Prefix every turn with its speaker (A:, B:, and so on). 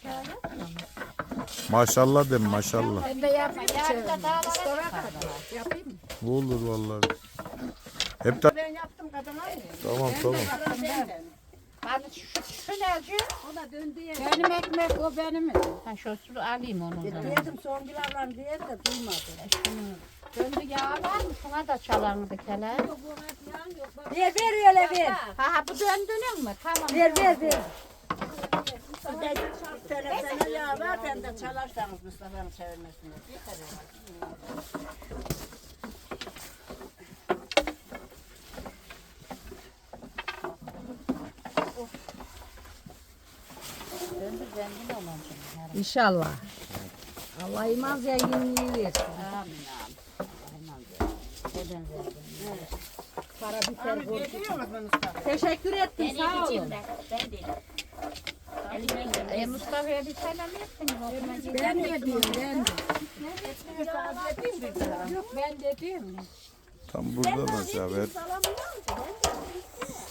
A: Maşallah de maşallah.
B: Ben de yapayım.
C: Yarın da dağlara
B: Sonra
C: çıkarlar.
B: kadar yapayım mı?
A: Bu olur vallahi. Hep de
B: Ben yaptım kadına.
A: tamam tamam.
C: Hani şu nelci?
B: O da döndü ya.
C: Benim ekmek o benim. Ha şu su alayım onu.
B: Diyedim son bilarla diye de duymadı.
C: Döndü yağ var mı? Şuna da çalandı kele.
B: Ver öyle ver.
C: Ha bu döndünün mü? Tamam.
B: Ver. Sen ya ver ben de çalarsanız Mustafa'nın çevirmesine.
C: Döndü zengin olacak.
B: İnşallah. Allah iman zenginliği versin.
C: Amin amin. Neden zengin?
B: Para biter borcu. Teşekkür ettim sağ olun.
C: Mustafa'ya bir selam etsin.
B: Ben de diyorum ben de. Yok ben de diyorum.
A: Tam burada da ver.